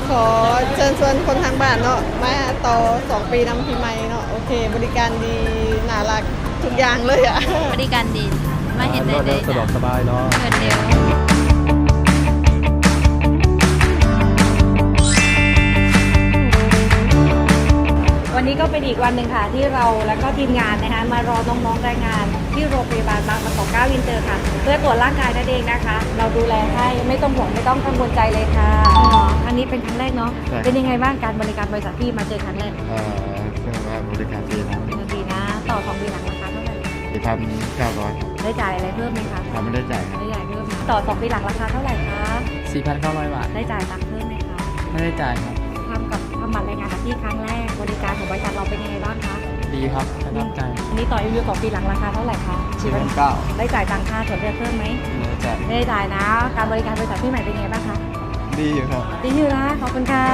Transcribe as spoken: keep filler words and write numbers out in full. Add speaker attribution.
Speaker 1: ขอเชิญชวนคนทางบ้านเนาะมาต่อสองปีนำพี่ใหม่เนาะโอเค บริการดีน่ารักทุกอย่างเลยอ่ะ
Speaker 2: บริการดีมาเห็นได้
Speaker 3: รวด
Speaker 2: เล
Speaker 3: เร็วย สะดวกสบายเนาะ
Speaker 2: เงินเร็ว
Speaker 4: วันนี้ก็เป็นอีกวันหนึ่งค่ะที่เราและก็ทีมงานนะคะมารอน้องๆแรงงานที่โรงพยาบาลบางประกอบเก้าวินเตอร์ค่ะ เพื่อตรวจร่างกายนั่นเองนะคะ เราดูแลให้ไม่ต้องห่วงไม่ต้องกังวลใจเลยค่ะครั้งนี้เป็นครั้งแรกเนาะเป็นยังไงบ้างการบริการบริษัทที่มาเจอครั้งแรก
Speaker 5: เอ่อเรียกว่าบริการดีนะ
Speaker 4: ดีนะต่อสองปีหลังราคาเท่าไหร่
Speaker 5: สี่พันเก้าร้อย
Speaker 4: ได้จ่ายอะไรเพิ่มไหมคะ
Speaker 5: ทำไม่ได้จ่ายครับ
Speaker 4: ได้จ่ายเพิ่มไหมต่อสองปีหลังราคาเท่าไหร่คะ
Speaker 6: สี่พันเก้าร้อยบาท
Speaker 4: ได้จ่ายตังค์เพิ่มไหมคะ
Speaker 6: ไม่ได้จ่ายครับ
Speaker 4: ทำกับทำบัตรรายงานกับที่ครั้งแรกบริการของบริษัทเราเป็นยังไงบ้างคะ
Speaker 6: ดีครับประทับใจ
Speaker 4: อันนี้ต่ออายุของปีหลังราคาเท่าไหร่คะ
Speaker 6: สี่พันเก้า
Speaker 4: ได้จ่ายตังค่าส่วนเลือกเพิ่มไหม
Speaker 6: ไม่ได้จ่าย
Speaker 4: ไม่ได้จ่ายนะ การบริการบริษัทที่ใหม่เป็นยังไงบ้างคะ
Speaker 6: ดีอยู่ครับ
Speaker 4: ดีอยู่นะ ขอบคุณค่ะ